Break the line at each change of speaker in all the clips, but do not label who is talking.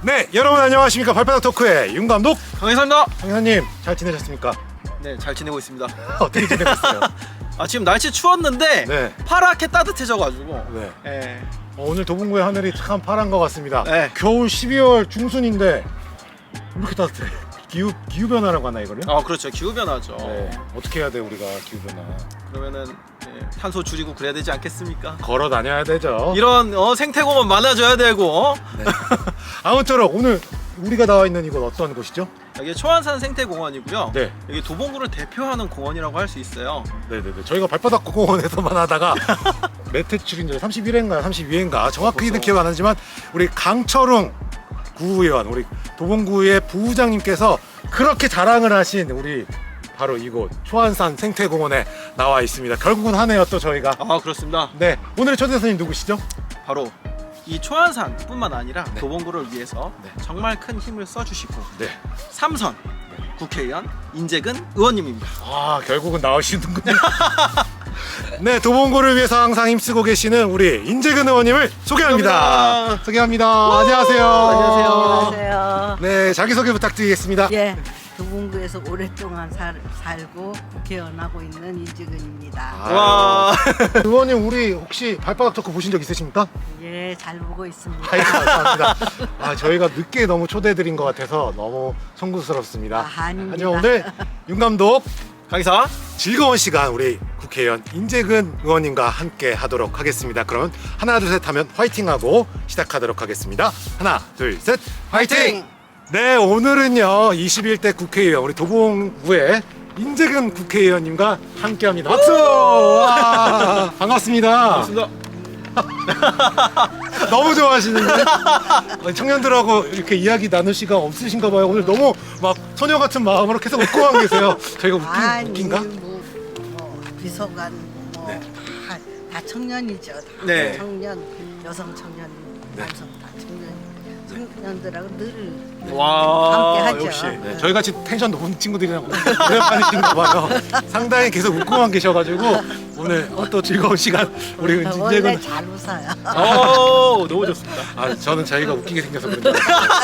네, 여러분 안녕하십니까. 발바닥 토크의 윤 감독
강희사입니다.
강현님 잘 지내셨습니까?
네, 잘 지내고 있습니다.
어떻게 지내셨어요?
지금 날씨 추웠는데
네.
파랗게 따뜻해져가지고.
네.
네.
오늘 도봉구의 하늘이 참 파란 것 같습니다.
네.
겨울 12월 중순인데 왜 이렇게 따뜻해? 기후 변화라고 하나 이거를?
그렇죠. 기후 변화죠.
네. 어떻게 해야 돼 우리가 기후 변화?
그러면은 탄소 줄이고 그래야 되지 않겠습니까?
걸어 다녀야 되죠.
이런 생태공원 많아져야 되고.
네. 아무쪼록 오늘 우리가 나와 있는 이곳 어떤 곳이죠?
여기 초안산 생태공원이고요.
네.
여기 도봉구를 대표하는 공원이라고 할 수 있어요.
네네네. 저희가 발바닥 공원에서만 하다가 몇 회출인지 31회인가 32회인가 정확히는
벌써.
기억 안 나지만 우리 강철웅 구의원 우리 도봉구의 부부장님께서 그렇게 자랑을 하신 우리 바로 이곳 초안산 생태공원에 나와 있습니다. 결국은 하네요 또 저희가.
그렇습니다.
네, 오늘의 초대 손님 누구시죠?
바로 이 초안산뿐만 아니라
네.
도봉구를 위해서
네.
정말 큰 힘을 써주시고
네.
삼선 국회의원 인재근 의원님입니다.
결국은 나오시는군요. 네, 도봉구를 위해서 항상 힘쓰고 계시는 우리 인재근 의원님을 소개합니다. 소개합니다. 안녕하세요.
안녕하세요.
네, 자기소개 부탁드리겠습니다.
예, 도봉구에서 오랫동안 살고 국회의원하고 있는 이지근입니다.
와.
의원님 우리 혹시 발바닥 토크 보신 적 있으십니까?
예, 잘 보고 있습니다.
아이, 감사합니다. 저희가 늦게 너무 초대드린 것 같아서 너무 송구스럽습니다.
아닙니다.
하지만 오늘 윤 감독
강희사.
즐거운 시간 우리 국회의원 인재근 의원님과 함께 하도록 하겠습니다. 그럼 하나 둘 셋 하면 화이팅하고 시작하도록 하겠습니다. 하나 둘 셋 화이팅! 네, 오늘은요 21대 국회의원 우리 도봉구의 인재근 국회의원님과 함께합니다. 박수! 와, 반갑습니다.
반갑습니다.
너무 좋아하시는데 청년들하고 이렇게 이야기 나눌 시간 없으신가 봐요. 오늘 너무 막 소녀 같은 마음으로 계속 웃고만 계세요. 저희가 웃긴가?
비서관
네.
다 청년이죠. 다
네.
청년, 여성 청년,
네.
남성 다 청년. 청년들하고 늘
와.
함께 하죠.
역시.
네, 저희 같이 텐션 높은 친구들이랑 오랜만이신가 봐요. 상당히 계속 웃고만 계셔가지고 오늘 또 즐거운 시간 우리
원래
인재근
잘 웃어요.
너무 좋습니다.
저는 자기가 웃기게 생겨서 그런데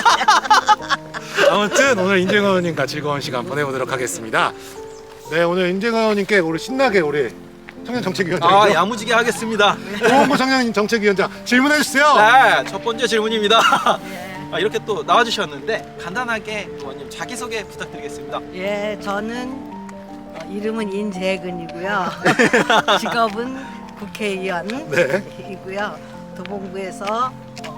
아무튼 오늘 인재근 의원님과 즐거운 시간 보내보도록 하겠습니다. 네, 오늘 인재근 의원님께 우리 신나게 우리 청년정책위원장
야무지게 하겠습니다.
도봉구 청년정책위원장 질문해 주세요.
네, 첫 번째 질문입니다.
예.
이렇게 또 나와주셨는데 간단하게 의원님 자기소개 부탁드리겠습니다.
예, 저는 이름은 인재근이고요. 직업은 국회의원이고요. 도봉구에서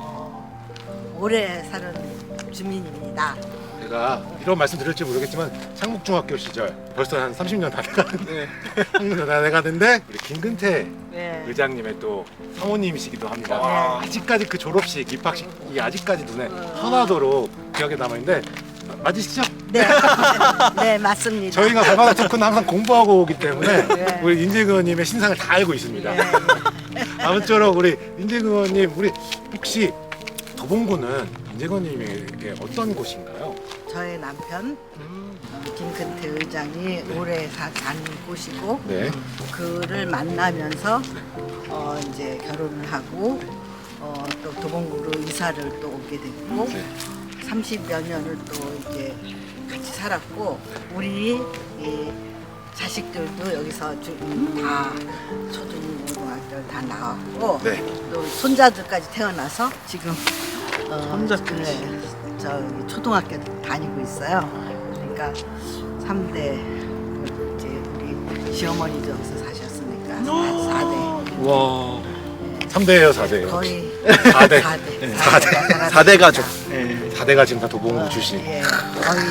오래 사는 주민입니다.
제가 이런 말씀 드릴지 모르겠지만 창북중학교 시절 벌써 한 30년 다 돼가는데 30년 다 돼가는데 우리 김근태
네.
의장님의 또 사모님이시기도 합니다.
와.
아직까지 그 졸업식 입학식이 아직까지 눈에 선하도록 기억에 남아있는데 맞으시죠?
네, 네 맞습니다.
저희가 발바닥 토크는 항상 공부하고 오기 때문에
네.
우리 인재근 의원님의 신상을 다 알고 있습니다.
네,
아무쪼록 우리 인재근 의원님 우리 혹시 도봉구는 인재근 의원님에게 어떤 곳인가요?
저의 남편 김근태 의장이 오래 사는 곳이고
네.
그를 만나면서 이제 결혼을 하고 또 도봉구로 이사를 또 오게 됐고
네.
30여 년을 또 이제 같이 살았고 우리 이 자식들도 여기서 다 초중고등학교를 다 나왔고
네.
또 손자들까지 태어나서 지금
손자까지?
네, 저기 초등학교 다니고 있어요. 그러니까 3대 이제 우리 시어머니도 여기서 사셨으니까 4대
와.
3대예요, 4대예요.
거의
4대.
4대.
4대 가족.
4대가 지금 다 도봉구 출신.
예, 거의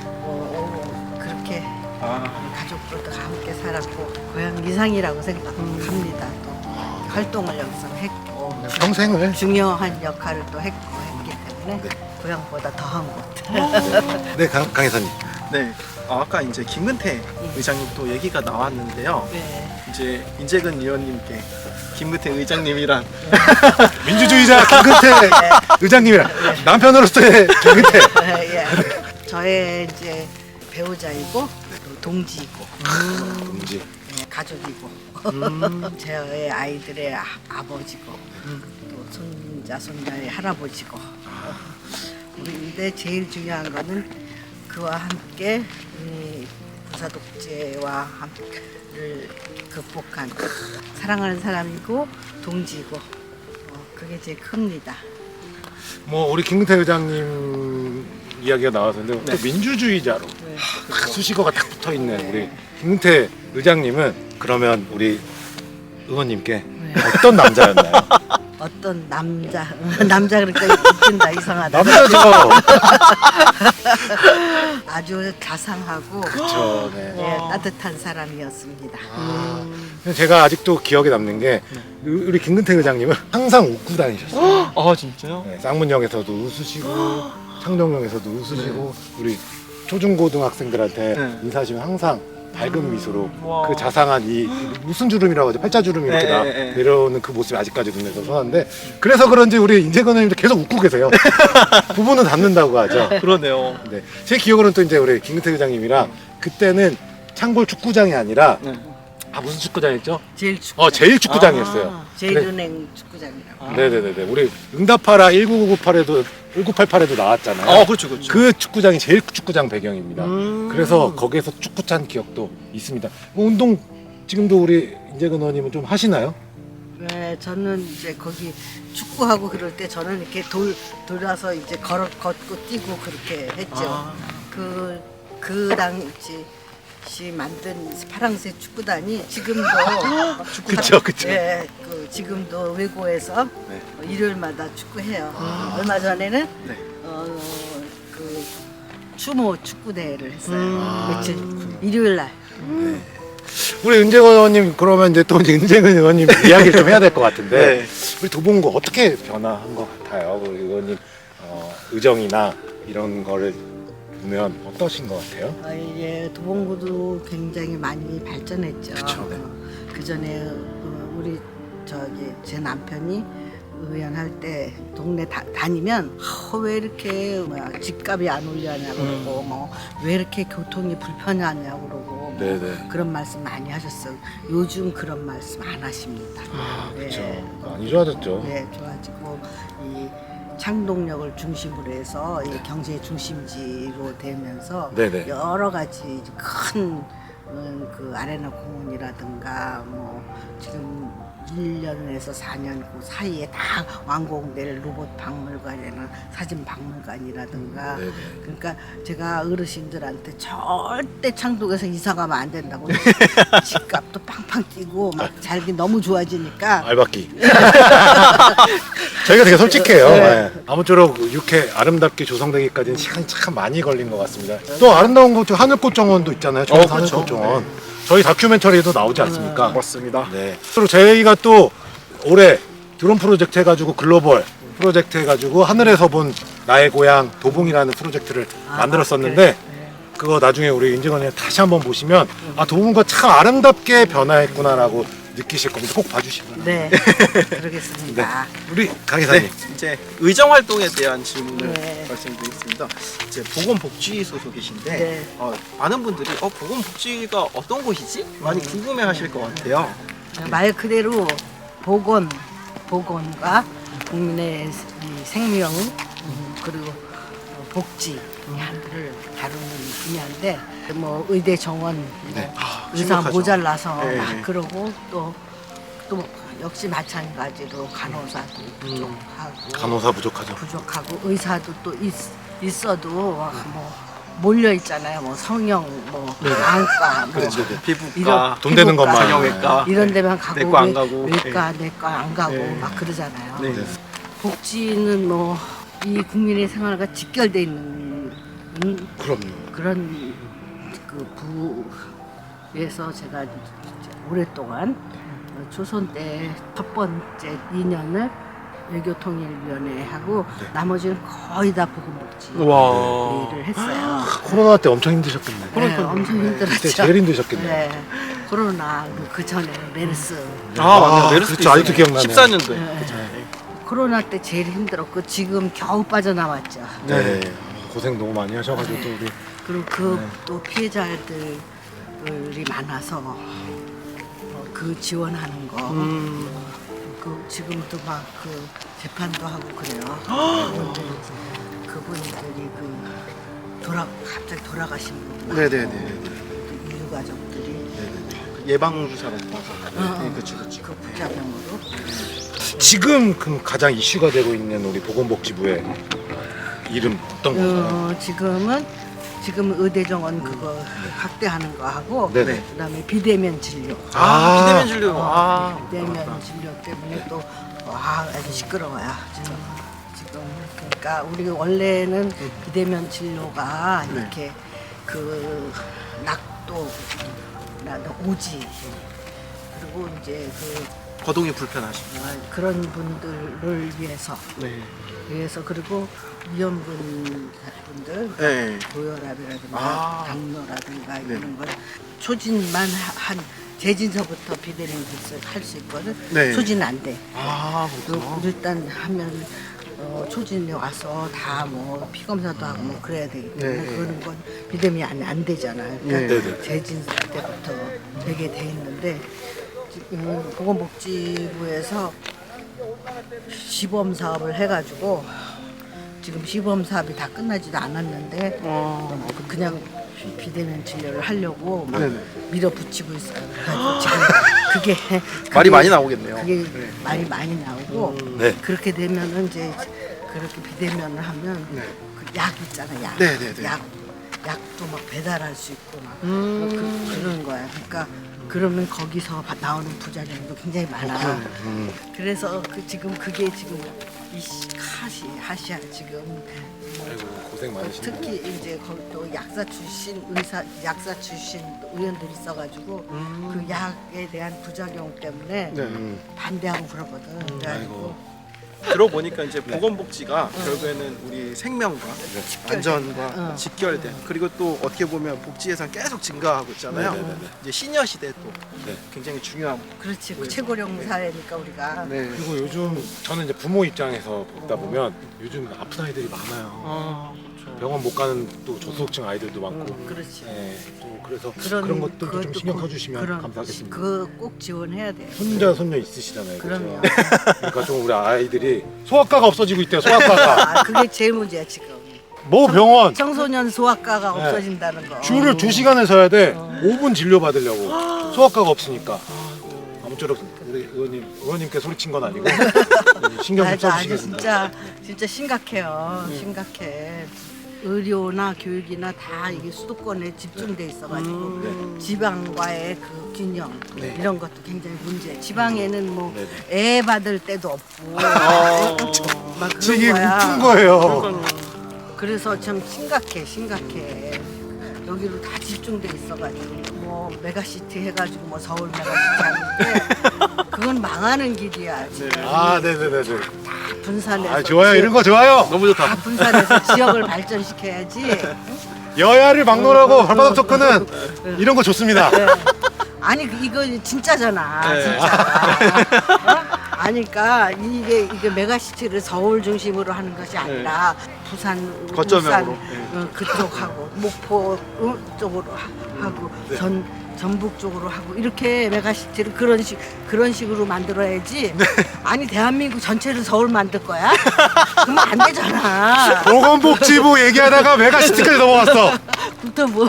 그렇게
아.
가족들도 함께 살았고 고향 이상이라고 생각합니다. 또 활동을 여기서 했고
평생을.
중요한 역할을 또 했기 때문에
네.
고향보다 더한 곳.
네, 강 이사님.
네. 아까 이제 김근태 의장님 또 얘기가 나왔는데요.
네.
이제 인재근 의원님께 김근태 의장님이랑
민주주의자 김근태 의장님이랑 남편으로서의 김근태.
예. 저의 이제 배우자이고 또 동지이고
동지.
예, 가족이고 제 아이들의 아버지고 또 손자 손자의 할아버지고 근데 제일 중요한 거는 그와 함께 우리 부사 독재와 를 극복한 사랑하는 사람이고 동지고 그게 제일 큽니다.
뭐 우리 김근태 의장님 이야기가 나왔는데 또 민주주의자로
네.
딱 수식어가 딱 붙어 있는 우리 김근태 의장님은 그러면 우리 의원님께 어떤 남자였나요?
어떤 남자 그러니까 웃긴다 이상하다.
남자죠.
아주 자상하고
그렇죠. 네.
예, 따뜻한 사람이었습니다.
제가 아직도 기억에 남는 게 우리 김근태 의장님은 항상 웃고 다니셨어요.
아 진짜요?
네, 쌍문역에서도 웃으시고 창동역에서도 웃으시고 우리 초중고등학생들한테
네.
인사하시면 항상 밝은 미소로
와.
그 자상한 이 무슨 주름이라고 하죠? 팔자주름이 이렇게
네, 네.
내려오는 그 모습이 아직까지 눈에서 선한데 그래서 그런지 우리 인재근 의원님도 계속 웃고 계세요. 부부는 닮는다고 하죠.
그러네요.
네. 제 기억으로는 또 이제 우리 김근태 의장님이랑 그때는 창골 축구장이 아니라
네.
무슨 축구장이었죠?
제일 축구장.
제일 축구장이었어요.
아, 제일은행 축구장이라고.
네네네. 우리 응답하라 1988에도 나왔잖아요.
그렇죠, 그렇죠.
그 축구장이 제일 축구장 배경입니다.
음.
그래서 거기에서 축구 찬 기억도 있습니다. 뭐 운동 지금도 우리 인재근 의원님은 좀 하시나요?
네, 저는 이제 거기 축구하고 그럴 때 저는 이렇게 돌아서 이제 걷고 뛰고 그렇게 했죠.
아.
그 당시 만든 파랑새 축구단이 지금도
그쵸, 그쵸.
예, 지금도 외고에서
네.
일요일마다 축구해요. 얼마 전에는
네.
그 추모 축구 대회를 했어요.
아,
며칠 일요일 날.
우리 은재근 의원님 그러면 이제 또 은재근 의원님 이야기를 좀 해야 될 것 같은데
네.
우리 도봉구 어떻게 변화한 것 같아요? 우리 의원님 의정이나 이런 거를 보면 어떠신 것 같아요?
예, 도봉구도 굉장히 많이 발전했죠.
그쵸, 네.
그 전에 우리 제 남편이 의원할 때 동네 다니면 왜 이렇게 집값이 안 올려냐고 그러고 뭐 왜 이렇게 교통이 불편하냐고 그러고
네네.
그런 말씀 많이 하셨어요. 요즘 그런 말씀 안 하십니다.
그렇죠.
네.
많이 좋아졌죠.
네, 좋아지고 이 창동역을 중심으로 해서 이 경제 중심지로 되면서
네네.
여러 가지 큰 그 아레나 공원이라든가 뭐 지금 1년에서 4년 그 사이에 다 완공될 로봇 박물관이나 사진 박물관이라든가
네네.
그러니까 제가 어르신들한테 절대 창동에서 이사 가면 안 된다고 집값도 팡팡 뛰고 막 살기 너무 좋아지니까
알바끼. 저희가 되게 솔직해요.
네.
네. 아무쪼록 이렇게 아름답게 조성되기까지는 시간이 참 많이 걸린 것 같습니다. 또 아름다운 곳 중 하늘꽃정원도 있잖아요. 저희
그렇죠.
하늘꽃정원. 저희 다큐멘터리에도 나오지 않습니까?
맞습니다.
네. 그리고 저희가 또 올해 드론 프로젝트 해가지고 글로벌 프로젝트 해가지고 하늘에서 본 나의 고향 도봉이라는 프로젝트를 만들었었는데 그거 나중에 우리 인재건이 다시 한번 보시면 도봉구가 참 아름답게 변화했구나라고 느끼실 겁니다. 꼭 봐주시면.
네 그러겠습니다.
우리 강 기사님.
네, 이제 의정 활동에 대한 질문을
네.
말씀드리겠습니다. 이제 보건복지 소속이신데
네.
많은 분들이 보건복지가 어떤 곳이지? 많이 궁금해하실 것 같아요.
말 그대로 보건과 국민의 이 생명 그리고 복지 하나를 다루는 분야인데 뭐 의대 정원
네.
의사
심각하죠.
모자라서
네.
막 그러고 또 역시 마찬가지로 간호사도 부족하고
간호사 부족하죠.
의사도 또 있어도 뭐 몰려 있잖아요. 뭐 성형, 뭐 안과, 뭐
그렇죠. 피부과,
이런
돈 되는
피부과,
것만.
성형외과,
이런 데만 가고
내과 안 가고.
외과, 내과 안 가고
네.
막 그러잖아요.
네.
복지는 뭐 이 국민의 생활과 직결돼 있는
그럼요.
그런 그 부에서 제가 오랫동안 조선 때 첫 번째 2년을 외교통일위원회하고 나머지는 거의 다 보건복지
와.
일을 했어요.
코로나 때 엄청 힘드셨겠네.
네, 엄청 힘들었죠.
그때 제일 힘드셨겠네.
네, 코로나 그 전에 메르스.
맞아요. 메르스
그렇죠. 아직도 기억나네요.
14년도에.
네. 코로나 때 제일 힘들었고 지금 겨우 빠져나왔죠.
네. 고생 너무 많이 하셔가지고 또 우리
그리고 또 피해자들이 많아서 그 지원하는 거. 지금도 막 그 재판도 하고 그래요. 그분들이 갑자기 돌아가신 분.
네네네.
이유 가족들이
예방 주사로 맞아서. 네, 그렇죠.
그 부작용으로.
지금 그 가장 이슈가 되고 있는 우리 보건복지부의 이름 어떤 건가요?
지금 의대정원 그거 확대하는 거 하고
네네.
그다음에 비대면 진료.
비대면 진료.
비대면 진료 때문에 또 아주 시끄러워요. 지금 그러니까 우리 원래는 비대면 진료가
네.
이렇게 그 낙도, 오지 그리고 이제
거동이 불편하시고.
그런 분들을 위해서 그리고 위험군 분들
네.
고혈압이라든가 당뇨라든가
네.
이런 걸 초진만 한 재진서부터 비대면 할 수 있거든.
네.
초진 안 돼.
그렇구나.
일단 하면 초진이 와서 다 뭐 피검사도 하고 뭐 그래야 되기 때문에
네.
그런 건 비대면이 안 되잖아요.
네.
그러니까 재진서 때부터 되게 돼 있는데 지금 보건복지부에서 시범 사업을 해가지고 지금 시범 사업이 다 끝나지도 않았는데 그냥 비대면 진료를 하려고 막
네네.
밀어붙이고 있어요. 그래서 지금 그게
말이 많이 나오겠네요.
그게 말이 많이 나오고
네.
그렇게 되면은 이제 그렇게 비대면을 하면
네.
그 약 있잖아, 약.
네네네.
약도 막 배달할 수 있고 막 그런 거야. 그러니까 그러면 거기서 나오는 부작용도 굉장히 많아. 그래서 지금 그게 지금 하시야 지금 뭐
아이고 고생 많으시네요.
특히 이제 거기 또 약사 출신 의원들이 있어가지고 그 약에 대한 부작용 때문에
네.
반대하고 그러거든. 그래가지고
들어보니까 이제 보건복지가 결국에는 우리 생명과 안전과 직결된, 그리고 또 어떻게 보면 복지 예산 계속 증가하고 있잖아요.
네네네네.
이제 시니어 시대 또
네.
굉장히 중요한.
그렇지 그 최고령 사회니까 우리가
네.
그리고 요즘 저는 이제 부모 입장에서 보다 보면 요즘 아픈 아이들이 많아요. 병원 못 가는 또 저소득층 아이들도 많고.
그렇지.
네, 또 그래서 그런 것들도 좀
그것도
신경 써주시면 감사하겠습니다.
그거 꼭 지원해야 돼.
손자 손녀 있으시잖아요.
그럼요.
그죠? 그러니까 좀 우리 아이들이 소아과가 없어지고 있대요. 소아과가.
그게 제일 문제야 지금.
뭐 병원
청소년 소아과가
네.
없어진다는 거.
줄을 2시간을 서야 돼. 5분 진료 받으려고. 소아과가 없으니까. 아무쪼록 우리 의원님께 소리친 건 아니고 신경 좀
아주
써주시겠습니다.
진짜 심각해요. 심각해. 의료나 교육이나 다 이게 수도권에 집중돼 있어가지고 지방과의 그 균형 이런 것도 굉장히 문제. 지방에는 뭐 애 받을 때도 없고 막 그런
지금
거야.
웃픈 거예요.
그래서 참 심각해. 여기로 다 집중돼 있어가지고 뭐 메가시티 해가지고 뭐 서울 메가시티 하는데 그건 망하는 길이야. 지금.
아, 네네네네.
분산해서.
아, 좋아요. 이런 거 좋아요.
너무 좋다.
다 분산해서 지역을 발전시켜야지.
여야를 막론하고 발바닥 토크는 이런 거 좋습니다.
네. 아니 이거 진짜잖아.
네.
진짜. 아니까 이게 메가시티를 서울 중심으로 하는 것이 아니라 부산,
거점으로.
울산 그쪽하고 목포 쪽으로 하고 전북 쪽으로 하고 이렇게 메가시티를 그런 식으로 만들어야지. 아니 대한민국 전체를 서울 만들 거야? 그러면 안 되잖아.
보건복지부 얘기하다가 메가시티까지 넘어갔어.
또 뭐?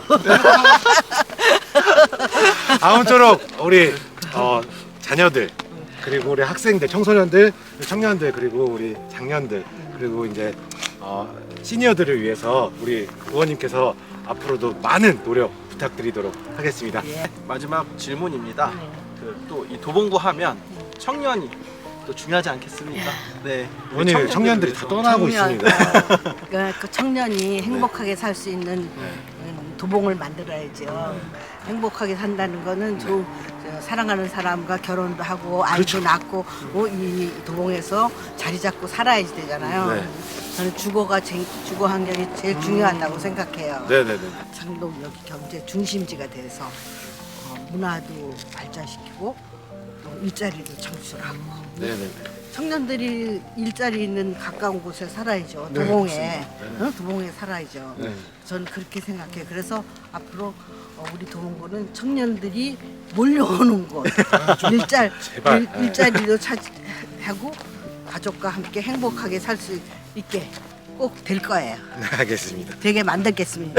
아무쪼록 우리 자녀들 그리고 우리 학생들, 청소년들, 청년들 그리고 우리 장년들 그리고 이제 시니어들을 위해서 우리 의원님께서 앞으로도 많은 노력 부탁드리도록 하겠습니다.
예.
마지막 질문입니다. 또 이 도봉구 하면 청년이 또 중요하지 않겠습니까? 네. 우리
의원님 청년들이 다 떠나고 있습니다.
그 청년이 행복하게 살 수 있는 도봉을 만들어야죠. 행복하게 산다는 거는 사랑하는 사람과 결혼도 하고 아이도
그렇죠.
낳고 이 도봉에서 자리 잡고 살아야 되잖아요.
네.
저는 주거 환경이 제일 중요하다고 생각해요.
네네네.
창동 여기 경제 중심지가 돼서 문화도 발전시키고 또 일자리도 창출하고
네네네.
청년들이 일자리 있는 가까운 곳에 살아야죠.
네,
도봉에 도봉에 살아야죠.
네.
저는 그렇게 생각해요. 그래서 앞으로 우리 도봉구는 청년들이 몰려오는 곳,
제발.
일자리도 하고 가족과 함께 행복하게 살 수 있게 꼭 될 거예요.
네, 알겠습니다.
되게 만들겠습니다.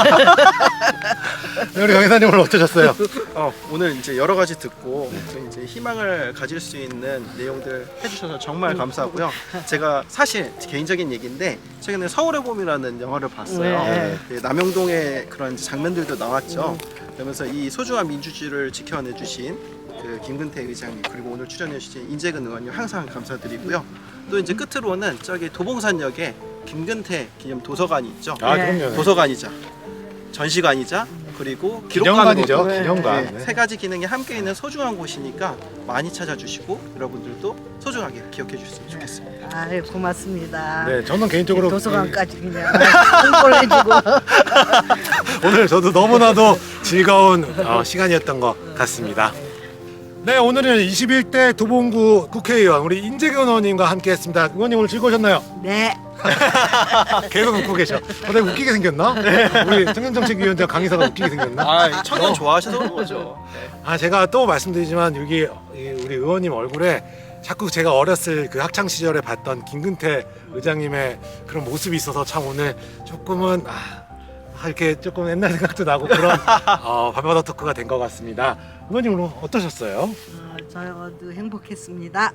네, 우리 강의사님 오늘 어떠셨어요?
오늘 이제 여러 가지 듣고 또 이제 희망을 가질 수 있는 내용들 해주셔서 정말 감사하고요. 제가 사실 개인적인 얘기인데 최근에 서울의 봄이라는 영화를 봤어요.
네.
네, 남영동의 그런 장면들도 나왔죠. 그러면서 이 소중한 민주주의를 지켜내주신 그 김근태 의장님 그리고 오늘 출연해주신 인재근 의원님 항상 감사드리고요. 또 이제 끝으로는 저기 도봉산역에 김근태 기념 도서관이 있죠.
아,
네.
그럼요.
도서관이자 전시관이자 그리고
기념관이죠.
기록관으로도
기념관.
네, 세 가지 기능이 함께 있는 소중한 곳이니까 많이 찾아주시고 여러분들도 소중하게 기억해 주셨으면 좋겠습니다.
아유, 고맙습니다.
네, 저는 개인적으로
도서관까지 그냥 홍보를 해주고.
오늘 저도 너무나도 즐거운 시간이었던 것 같습니다. 네, 오늘은 21대 도봉구 국회의원 우리 인재근 의원님과 함께했습니다. 의원님 오늘 즐거우셨나요?
네.
계속 웃고 계셔. 내가 웃기게 생겼나? 우리 청년정책위원장 강의사가 웃기게 생겼나?
아, 청년 좋아하셔서 그런 거죠. 네.
제가 또 말씀드리지만 여기 우리 의원님 얼굴에 자꾸 제가 어렸을 그 학창 시절에 봤던 김근태 의장님의 그런 모습이 있어서 참 오늘 조금은 이렇게 조금 옛날 생각도 나고 그런 밤바다 토크가 된 것 같습니다. 의원님 오늘 어떠셨어요?
저도 행복했습니다.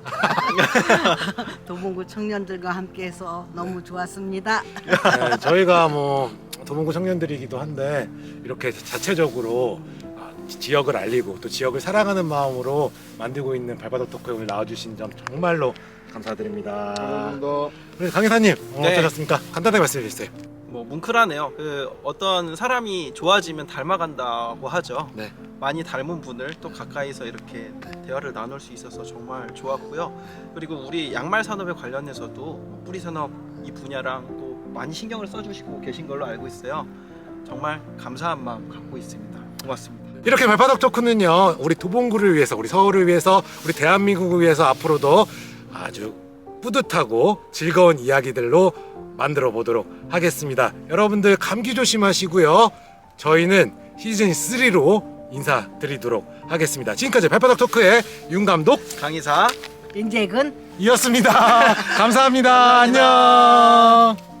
도봉구 청년들과 함께해서 너무 좋았습니다.
네, 저희가 뭐 도봉구 청년들이기도 한데 이렇게 자체적으로 지역을 알리고 또 지역을 사랑하는 마음으로 만들고 있는 발바닥 토크에 오늘 나와주신 점 정말로 감사드립니다.
감사합니다.
우리 강의사님
네.
어떠셨습니까? 간단하게 말씀해 주세요.
뭐 뭉클하네요. 그 어떤 사람이 좋아지면 닮아간다고 하죠.
네.
많이 닮은 분을 또 가까이서 이렇게 대화를 나눌 수 있어서 정말 좋았고요. 그리고 우리 양말 산업에 관련해서도 뿌리 산업 이 분야랑 또 많이 신경을 써주시고 계신 걸로 알고 있어요. 정말 감사한 마음 갖고 있습니다. 고맙습니다.
이렇게 발바닥 토크는요 우리 도봉구를 위해서 우리 서울을 위해서 우리 대한민국을 위해서 앞으로도 아주 뿌듯하고 즐거운 이야기들로 만들어 보도록 하겠습니다. 여러분들 감기 조심하시고요. 저희는 시즌 3로 인사드리도록 하겠습니다. 지금까지 발바닥 토크의 윤 감독
강의사
인재근
이었습니다. 감사합니다. 안녕.